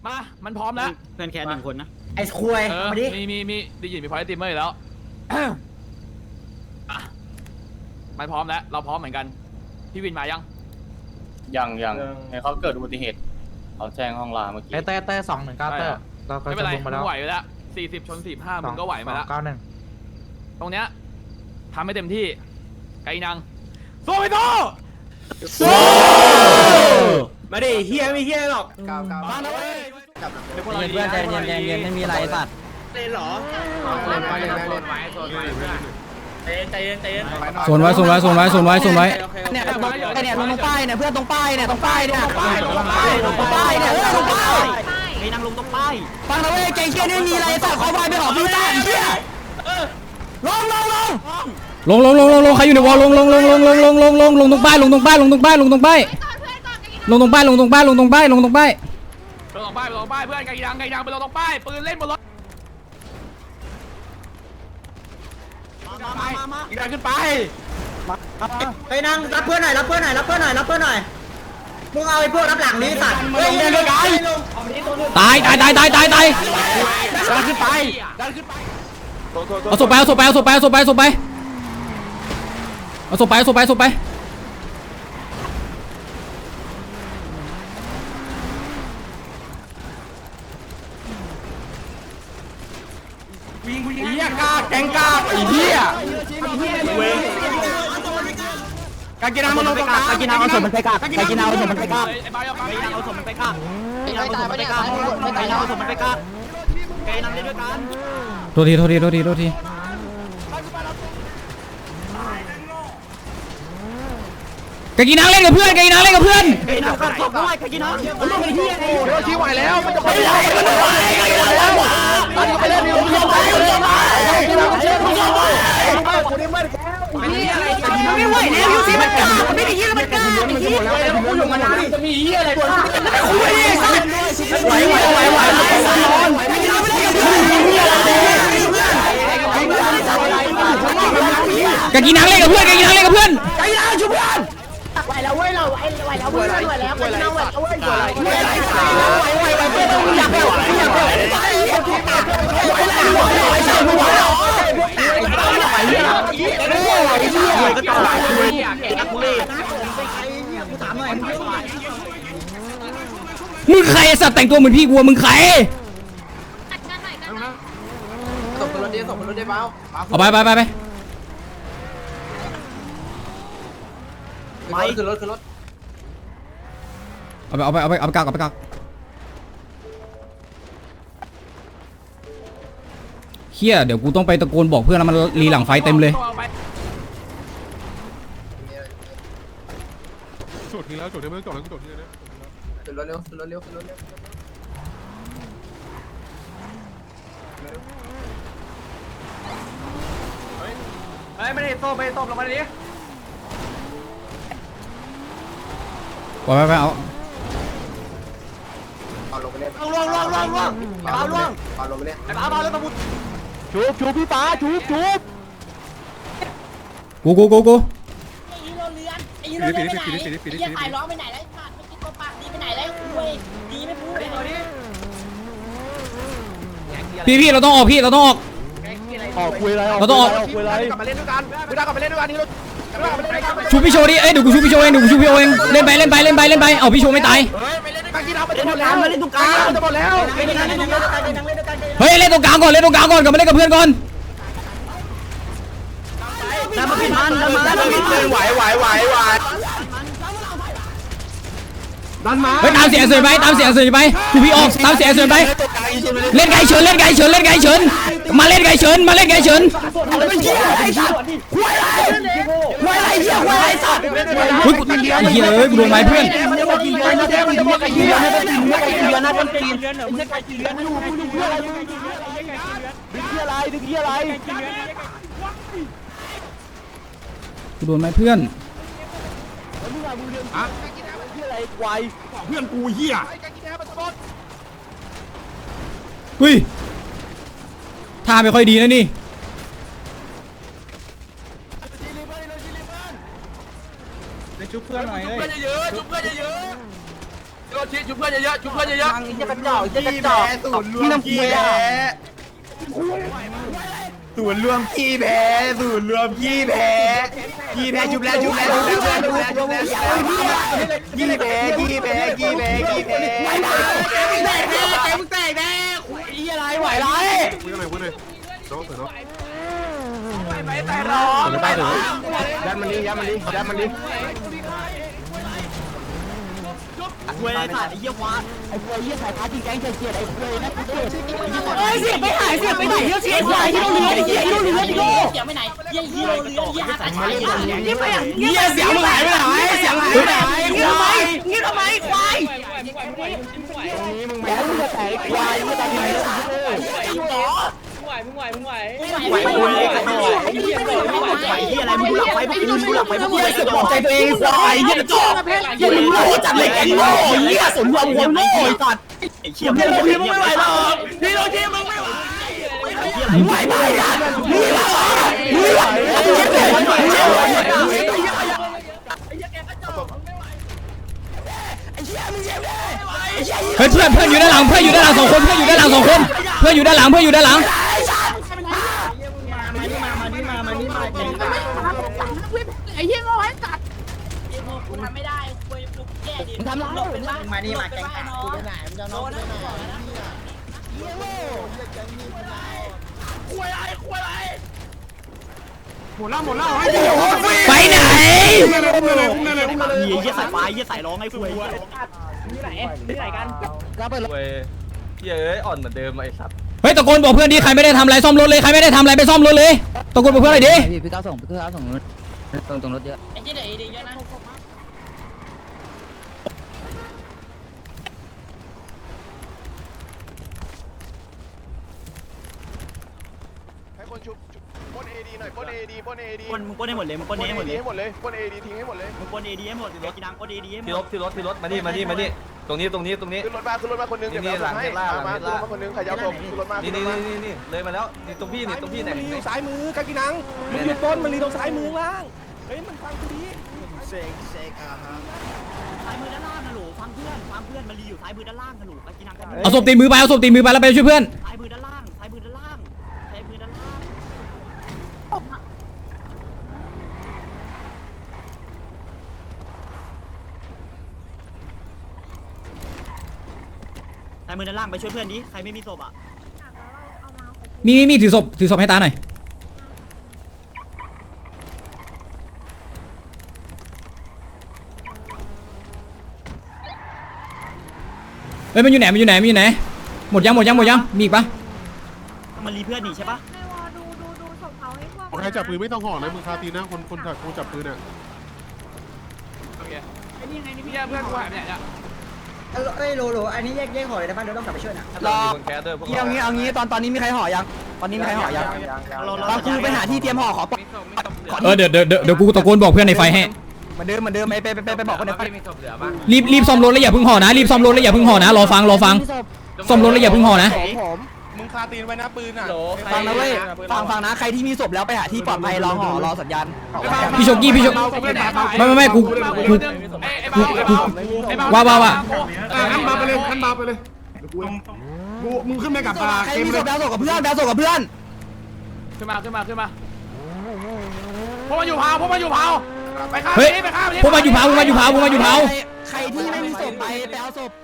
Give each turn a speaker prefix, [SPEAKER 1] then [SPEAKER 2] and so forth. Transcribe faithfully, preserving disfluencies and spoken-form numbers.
[SPEAKER 1] มามันพร้อมแล้ว
[SPEAKER 2] เพื่อนแค่หนึ่งคนนะ
[SPEAKER 3] ไอ้คุยมาดิ
[SPEAKER 1] มีมีมีได้ยินมีพอยต์ตีมเมอร์แล้วมันพร้อมแล้วเราพร้อมเหมือนกันพี่วินมายัง
[SPEAKER 4] ยังยังให้เขาเกิดอุบัติเหตุเขาแจ้งห้องลาเมื่อกี้
[SPEAKER 5] เต้เต้สองหนึ่งเก้าเต้เราก็จะลงมาแล้ว
[SPEAKER 1] ไหวแล้วสี่สิบชนสี่ห้ามึงก็ไหวมาแล้ว
[SPEAKER 5] เก้าหนึ่ง
[SPEAKER 1] ตรงเนี้ยทำให้เต็มที่ไกนังโซ่ไปโซ่
[SPEAKER 3] โซ่มาดิเฮียไม่เฮียหรอกเก้าเก้า
[SPEAKER 1] มาแล้วเว้ย
[SPEAKER 2] เพื่อนใจเย็นใจเย็นไม่มีอะไรสัตว์
[SPEAKER 3] เล่นหรอเล่นไปเล่นไปเล่นไปโซนไว้เพื่อนใจเย็นใจเย็น
[SPEAKER 6] โซนไว้โซนไว้โซนไว้โซนไว้โซนไว้
[SPEAKER 2] เนี่ยตรงเนี่ยตรงป้ายเนี่ยเพื่อนตรงป้ายเนี่ยตรงป้ายเนี่ยตรงป้ายตรงป้ายตรงป้ายเนี่ยตรงป้ายไอ้นางลงตรงป้ายฟังนะเว้ยเก่งเชี่ยนี่มีอะไรสัตว์เขาไปไปหอบพี่ตาเชี่ยลงลงลง
[SPEAKER 6] ลงลงลงลงลงใครอยู่ในวอลลงลงลงลงลงลงลงลงลงตรงป้ายลงตรงป้ายลงตรงป้ายลงตรงป้ายลงตรงป้ายลงตรงป้ายลงตรงป้ายลงตรงป้าย
[SPEAKER 1] ลงตรงป้ายลงตรงป้ายเพื่อนไกนังไกนังไปลงตรงป้ายปืนเล่นบนรถอีกดันขึ้นไป
[SPEAKER 3] ไปนั่งรับเพื่อนหน่อยรับเพื่อนหน่อยรับเพื่อนหน่อยรับเพื่อนหน่อยมึงเอาไอ้พวกรับหลังนี้สัตว์เฮ้ยเดิน
[SPEAKER 6] ตายตายตายตายตายตาย
[SPEAKER 1] ดันขึ้นไปดันขึ้นไป
[SPEAKER 6] เอาศพไปเอาศพไปเอาศพไปเอาศพไปเอาศพไปเอาศพไปเอาศพไปเอาศพไป
[SPEAKER 1] วิ่งวิ่งเหี้ยกล้าแกงกล้าไอ้เหี้ยกากินามันลงตรงกลาง
[SPEAKER 2] กากินาเอาศพมันไปกากกากินาเอาศพมันไปกาก
[SPEAKER 1] ไอ้บายเอาไป
[SPEAKER 2] เอาศพมันไปกากกากินาเอาศพมันไปกากกากินาเอาศพมันไปกากกากินาเล่นด้วยกัน
[SPEAKER 6] โทษทีโทษทีโทษทีโทษทีกากินังเล่นกับเพื่อนกากินังเล่นกับเพื่อน
[SPEAKER 2] กากินากัดศพด้วยกากินามันลงไปที่ยังไง
[SPEAKER 1] โอ้ยชี้ไหวแล้วมันจะไปไหนมันจะไปเล่นอยู่ที่ไหน
[SPEAKER 2] มันไม่ไหวแล้วยูซีมันกล้ามันไม่ได้ยี่มันกล้าไอ้เหี้ย
[SPEAKER 1] แล้วกูอยู่มานานจะมีเหี้ยอะไรบ้างคุยไหวไหวไหวไหว
[SPEAKER 6] กากินังเล่นกับเพื่อนกากินังเล่นกับเพื่อน
[SPEAKER 3] ไอ้ยาชุบเพื่อนไหวแล้วเว้ยเราไหวแล้วเว้ยไหวแล้วไหวแล้วไหวแล้วเว้ยไหวไหวไหวไหวไหวอยากแล้วอยากแล้วไหวแล้วไหวแล้วไหวแล้วไหวแล้วก็ต่อเลยกูถามหน่อย
[SPEAKER 6] มึงใครสัตว์แต่งตัวเหมือนพี่กูมึงใคร
[SPEAKER 3] ส่งคนรถเดียวส่งคนรถเดียวเปล่า
[SPEAKER 6] เอาไปไปไปไป
[SPEAKER 3] ไปขึ้นรถขึ้นรถ
[SPEAKER 6] เอาไปเอาไปเอาไปเอาไปกักเอาไปกักเฮียเดี๋ยวกูต้องไปตะโกนบอกเพื่อนแล้วมันรีหลังไฟเต็มเลย
[SPEAKER 7] จดทีแล้วจดทีแล้วจดแล้วจดทีแล้ว
[SPEAKER 3] ขึ้นรถเร็วขึ้นรถเร็วขึ้นรถเร็ว
[SPEAKER 1] เฮ้ยไม่ได้โซ่ไม่ได้โซ่ลงมาดิ
[SPEAKER 6] ไปไปไปเอา
[SPEAKER 3] เอาลงไปเล่น
[SPEAKER 1] ล่วงล่วงล่วงล่วงปาล่วง
[SPEAKER 3] เอาลงไปเล่น
[SPEAKER 1] ไอ้ปาปาแล้วตะบุจูบจูบพี่ปาจูบจูบ
[SPEAKER 6] กูกูกูกู
[SPEAKER 8] ไอ้ฮีโร่เลือนไอ้ฮีโร่เลือนไปไหนไอ้เหี้ยขายล้อไปไหนแล้วไอ้สัตว์ไม่กินตัวปากดีไปไหนแล้วคุยดีไม่พูดเลย
[SPEAKER 6] พี่พี่เราต้องออกพี่เราต้องออก
[SPEAKER 7] ออกคุยอะไร
[SPEAKER 6] เราต้องออก
[SPEAKER 7] คุยอะไร
[SPEAKER 1] กลับมาเล่นด้วยกันไม่ได้กลับมาเล่นด้วยกันนี่เรา
[SPEAKER 6] ชูพี่โชว์ดิเอ้ยเดี๋ยวกูชูพี่โชว์เองเดี๋ยวกูชูพี่โชว์เองเล่นไปเล่นไปเล่นไปเล่นไปเอาพี่โชว์ไม่ตาย
[SPEAKER 1] เฮ้ยไม่เล่นด้วยกันกินเอาไปเล่นแล้วมาเล่นตรงกลางจะหมดแล้ว
[SPEAKER 6] เฮ้ยเล่นตรงกลางก่อนเล่นตรงกลางก่อนกลับมาเล่นกับเพื่อนก่อน
[SPEAKER 2] ดันมาปิดมันดันมาดันมา
[SPEAKER 1] ไหวไหวไหวไหวดันมา
[SPEAKER 6] เฮ้ยตามเสียงเสือไปตามเสียงเสือไปชูพี่ออกตามเสียงเสือไปเล่นไก่เฉินเล่นไก่เฉินเล่นไก่เฉินมาเล่นไก่เฉินมาเล่นไก่เฉิน
[SPEAKER 3] ควายอะไรเหี้ยควายอะไรสัตว์
[SPEAKER 6] เฮ้ยกูไอ้เหี้ยเอ้ยกูโดนไม้เพื่อนกูโดนไม้เพื่อน
[SPEAKER 7] เพื่อนกูเหี้ย
[SPEAKER 6] เฮ้ยท่าไม่ค่อยดีนะนี่
[SPEAKER 1] ชุบเพื่อนหน่อยเลยชุบเพื่อนเยอะชุบเพื่อนเยอะชี้ชุบเพื่อนเยอะๆชุบเพื่อนเยอะ
[SPEAKER 2] มังไอ้เหี้ยกระจอกไอ้เหี้ยกระจอกศูนย์รวมขี้แพ้ศูนย์รวมขี้แพ้ศูนย์รวมขี้แพ้ขี้แพ้ชุบแล้วชุบแล้วชุบแล้วชุบแล้วชุบแล้วขี้แพ้ขี้แพ้ขี้แพ้ขี้แพ้แกมึงแตกแน่แกมึงแตกแน่ไอ้อะไรไหวไร
[SPEAKER 7] คุยกันหน่อยคุยหน่อยน้องเสือน้อง
[SPEAKER 2] ไปแต่รอ
[SPEAKER 7] เสือใต้เสือยันมันดิยันมันดิยันมันดิ
[SPEAKER 2] เว้ยขาดไอ้เหี้ยควานไอ้เว้ยเหี้ยสายพาที่แก๊งเฉียดไอ้เว้ยนะเฉียด
[SPEAKER 3] เอ้ยเสียไปไหนเสียไปไหนเฮียเสียไปไหนที่โรงเรียนเฮียที่โรงเรียนที่โรง
[SPEAKER 8] เสียไปไหนเฮียฮีโร่เรือเฮียสายไฟเฮีย
[SPEAKER 3] เฮียไปไหน
[SPEAKER 2] เหี้ยเสียงมึงหายไปไหนเสียงหายไปไหน
[SPEAKER 3] เฮียทำไมเฮียทำไมควาย
[SPEAKER 2] แกมึงจะแตกควายมึงจะแตก
[SPEAKER 8] ไหวไหว
[SPEAKER 2] ไหวโอ้ยไอ้เหี้ยไอ้เหี้ยอะไรมึงดูหลังไฟพวกมึงดูหลังไฟพวกมึงเสือกบอกใจตัวเองควายเหี้ยกระจอกเหี้ยมึงโง่จัดเลยไอ้โง่เหี้ยสมรวมคนโง่ไอ้สัตว์ไอ้เหี้ยมึงมึงไม่ไหวหรอกพี่โรจิมึงไม่ไหวไหวไหมอ่ะมึงไหวมึงไหวมึงไหว
[SPEAKER 6] เฮ้ยเพื่อนเพื่อนอยู่ด้านหลังเพื่อนอยู่ด้านหลังสองคนเพื่อนอยู่ด้านหลังสองคนเพื่อนอยู่ด้านหลังเพื่อนอยู่ด้านหลัง
[SPEAKER 3] ไอ้เฮียโง่ให้ตัด
[SPEAKER 8] กูทำไม่ได้กูกูแย่ดิ
[SPEAKER 2] ทำไร
[SPEAKER 8] มานี่มาแกงขากูไปไหนมึงจะนอนไปไหน
[SPEAKER 7] หมดแล้วหมดแล้วให้
[SPEAKER 6] ไปไหน
[SPEAKER 2] เหี้ยสายไฟเหี้ยสายร้องไอ้คุย
[SPEAKER 6] เฮ้ยตะโกนบอกเพื่อนดิใครไม่ได้ทำอะไรซ่อมรถเลยใครไม่ได้ทำอะไรไปซ่อมรถเลยตะโกนบอกเพื่อนหน่อยดิ
[SPEAKER 2] พี่พี่ก้าวส่งพี่ก้าวส่งตรงตรงรถเยอะ
[SPEAKER 8] ไอ้เจ๊เดี๋ยวดีเยอะนะ
[SPEAKER 9] ให้คนชุบปนเอดีหน่อยปนเอดีปนเอดี
[SPEAKER 2] ปนมึงปนให้หมดเลยมึงปนให้หมดเลย
[SPEAKER 9] ให้หมดเลยปนเอดีทิ้งให้หมดเลย
[SPEAKER 2] มึงปนเอดีให้หมดรถกีนังปนเอดีให้หม
[SPEAKER 1] ที่ร
[SPEAKER 2] ด
[SPEAKER 1] ถที่รถที่รถมานี่มานี่มานี่ตรงนี้ตรงนี้ตรงนี้
[SPEAKER 9] ขึ้นรถมาขึ้นรถมาคนนึงเดี๋ยวเราให้มามาขึ้นรถมาคนนึงใครจะเอาขึ้นรถมา
[SPEAKER 1] นี่นี่นี่นี่เลยมาแล้วนี่ตรงพี่นี่ตรงพี่ไหน
[SPEAKER 7] อยู่ซ้ายมือกากินังมึงอยู่ต้นมันรีตรงซ้ายมือล่างเฮ้ยมันฟังกูดี
[SPEAKER 2] ซ้ายมือด้านล่างนะหนูฟังเพื่อนฟังเพื่อนมันรีอยู่ซ้ายมือด้านล่างนะหนูกีนัง
[SPEAKER 6] เอาศพตีมือไปเอาศพตีมือไปแล้วไปช่วยเพื่อน
[SPEAKER 2] ซ้ายมือด้านล่างซ้ายมือด้านล่างซ้ายมือด้านล่างซ้ายมือด้านล่างไปช่วยเพื่อนดิใครไม่มีศพอ่ะ
[SPEAKER 6] มีมีมีถือศพถือศพให้ตาหน่อยเฮ้ยมันอยู่ไหนมันอยู่ไหนมันอยู่ไหนหมดยังหมดยังหมดยังมีอีกปะ
[SPEAKER 2] มันรีเพื่อนหนีใช่ปะ
[SPEAKER 7] ใครจับปืนไม่ต้องห่อนะมึงคาตีนะคนคนถักกูจับปืนอ่ะ
[SPEAKER 1] โอเคไอ้นี่ไงนี่พี่เพื่อนกูหายไปไหนเนี่ย
[SPEAKER 3] เอ้ยโลโลอันนี้แยกแยกห่อเลยนะบ้านเดี๋ยวต้องกลับไปช่วยนะ
[SPEAKER 1] รอคนแคสเตอร์พวก
[SPEAKER 2] เอางี้เอางี้ตอนตอนนี้มีใครห่อยังตอนนี้มีใครห่อยังตอนกูไปหาที่เตรียมห่อขอ
[SPEAKER 6] เออเดี๋ยวเดี๋ยวเดี๋ยวเดี๋ยวกูตะโกนบอกเพื่อนในไฟให้
[SPEAKER 2] เหมือนเดิมเหมือนเดิมไปไปไปไปบอกคนในไฟ
[SPEAKER 1] มีศพเหลือบ้าง
[SPEAKER 6] รีบรีบซ่อมรถแล้วอย่าเพิ่งห่อนะรีบซ่อมรถแล้วอย่าเพิ่งห่อนะรอฟังรอฟังซ่อมรถแล้วอย่าเพิ่งห่อนะ
[SPEAKER 7] มึงคาตีนไว้นะปืนอ่ะ
[SPEAKER 2] ฟังนะเว้ยฟังฟังนะใครที่มีศพแล้วไปหาที่ปลอดภัยรอห่อรอสัญญาณ
[SPEAKER 6] พี่โชกี้พี่โชไม่ไม่ไม่กูกูกูกูว่าว่าว่า
[SPEAKER 7] ขั้นมาไปเลยขั้นมาไปเลยกูมึงขึ้นไปกับปลา
[SPEAKER 2] ใครมีศพแล้วศพกับเพื่อนแล้วศพกับเพื่อน
[SPEAKER 1] ขึ้นมาขึ้นมาขึ้นมาพวกมันอยู่เผาพวกมันอยู่เผาไปข้าม
[SPEAKER 6] เฮ้ย
[SPEAKER 1] ไปข้าม
[SPEAKER 6] พวกมาอยู่เผาพวกมาอยู่เผาพวกมาอยู่เผา
[SPEAKER 2] ใครที่ไม่มีศพไปไปเอาศพ